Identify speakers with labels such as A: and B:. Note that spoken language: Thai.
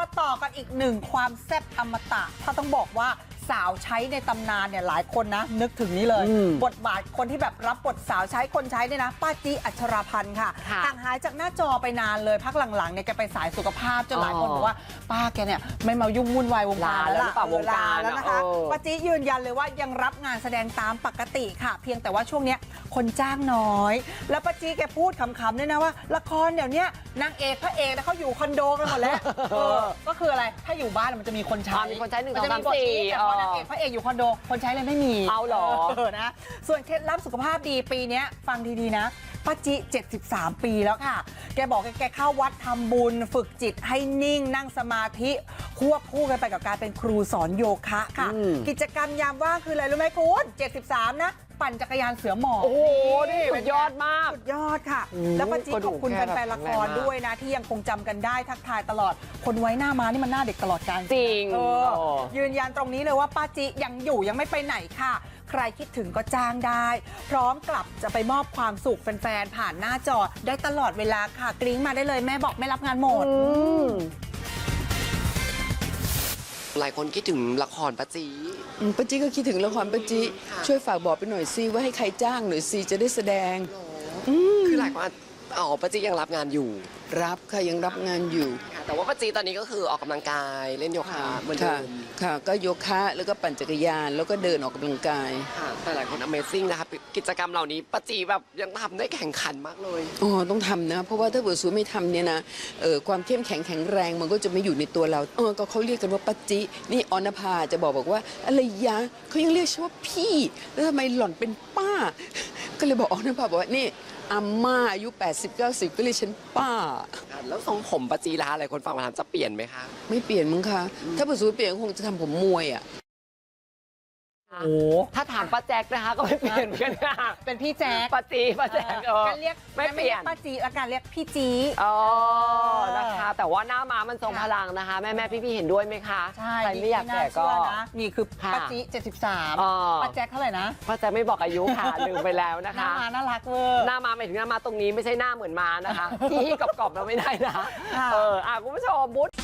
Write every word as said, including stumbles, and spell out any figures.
A: มาต่อกันอีกหนึ่งความแซ่บอมตะถ้าต้องบอกว่าสาวใช้ในตำนานเนี่ยหลายคนนะนึกถึงนี้เลยบทบาทคนที่แบบรับบทสาวใช้คนใช้เนี่ยนะป้าจีอัชราพันธ์ค่ะห่างหายจากหน้าจอไปนานเลยพักหลังๆเนี่ยแกไปสายสุขภาพจนหลายคนบอกว่าป้าแกเนี่ยไม่มายุ่งวุ่นวายวงการแล้วล่ะวงการแล้วนะคะป้าจียืนยันเลยว่ายังรับงานแสดงตามปกติค่ะเพียงแต่ว่าช่วงเนี้ยคนจ้างน้อยแล้วป้าจีแกพูดขำๆด้วยนะว่าละครเดี๋ยวนี้นางเอกพระเอกเขาอยู่คอนโดกันหมดแล้วก็คืออะไรถ้าอยู่บ้านมันจะมีคนใช้
B: มีคนใช้หนึ่งสองสามสี่
A: นางเอกพระเอกอยู่คอนโดคนใช้เลยไม่มี
B: เอาหรอ
A: นะส่วนเคล็ดลับสุขภาพดีปีนี้ฟังดีๆนะป้าจิเจ็ดสิบสามปีแล้วค่ะแกบอกแกเข้าวัดทำบุญฝึกจิตให้นิ่งนั่งสมาธิควบคู่กันไปกับการเป็นครูสอนโยคะค่ะกิจกรรมยามว่างคืออะไรรู้ไหมคุณเจ็ดสิบสามนะปั่นจักรยานเสือหมอบ
B: โอ้โหนี่สุดยอดมาก
A: สุดยอดค่ะแล้วป้าจิขอบคุณแฟนๆละครด้วยนะที่ยังคงจำกันได้ทักทายตลอดคนไว้หน้าม้านี่มันหน้าเด็กตลอดกาล
B: จริง
A: ยืนยันตรงนี้เลยว่าป้าจิยังอยู่ยังไม่ไปไหนค่ะใครคิดถึงก็จ้างได้พร้อมกลับจะไปมอบความสุขแฟนๆผ่านหน้าจอได้ตลอดเวลาค่ะกริ้งมาได้เลยแม่บอกไม่รับงานหมด
B: หลายคนคิดถึงละครป้าจี
C: ป้าจีก็คิดถึงละครป้าจีช่วยฝากบอกไปหน่อยซิว่าให้ใครจ้างหน่อยซิจะได้แสดง
B: คือหลายคนอ๋อป้าจียังรับงานอยู่
C: รับค่ะยังรับงานอยู่
B: แต่ว่าป้าจีตอนนี้ก็คือออกกำลังกายเล่นโยคะเหมือนเดิม
C: ค่ะก็โยคะแล้วก็ปั่นจักรยานแล้วก็เดินออกกำลังกาย
B: ค่ะแต่หลายคน Amazing นะคะกิจกรรมเหล่านี้ป้าจีแบบยังทำได้แข่งขันมากเลย
C: อ๋อต้องทำนะเพราะว่าถ้าเกิดสูไม่ทำเนี่ยนะเออความเข้มแข็งแข็งแรงมันก็จะไม่อยู่ในตัวเราเออก็เขาเรียกกันว่าป้าจีนี่ออนภาจะบอกบอกว่าอะไรยะเขายังเรียกฉันว่าพี่แล้วทำไมหล่อนเป็นป้าก็เลยบอกออนภาบอกว่านี่อาม่าอายุแปดสิบ เก้าสิบก็เรียกฉันป้า
B: แล้วทรงผมป้าจีล่ะหลายคนฟังมาถามจะเปลี่ยนไหมคะ
C: ไม่เปลี่ยนมั้งคะถ้าเปิดสูเปลี่ยนคงจะทำผมมวยอ่ะ
B: โอ้ถ้าถามป้าแจ๊กนะคะก็ไม่เปลี่ยนเหมือนกันค่ะ
A: เป็นพี่แจ๊ก
B: ป้าจีป้าแจ๊ก
A: กันเรียกไม่เปลี่ยนป้าจีละกันเรียกพี่จี
B: อ๋อนะคะแต่ว่าหน้าม้ามันทรงพลังนะคะแม่แม่พี่พี่เห็นด้วยไหมคะ
A: ใช่
B: ใครไม่อยากแก่ก็
A: นี่คือป้าจีเจ็ดสิบสามป้าแจ๊กเท่าไหร่นะ
B: ป้าแจ๊กไม่บอกอายุค่ะลืมไปแล้วนะคะ
A: หน้าม้าน่ารักเวอร์
B: หน้าม้าหมายถึงหน้าม้าตรงนี้ไม่ใช่หน้าเหมือนม้านะคะที่กรอบๆเราไม่ได้นะเอออ่ะคุณผู้ชมบุ๊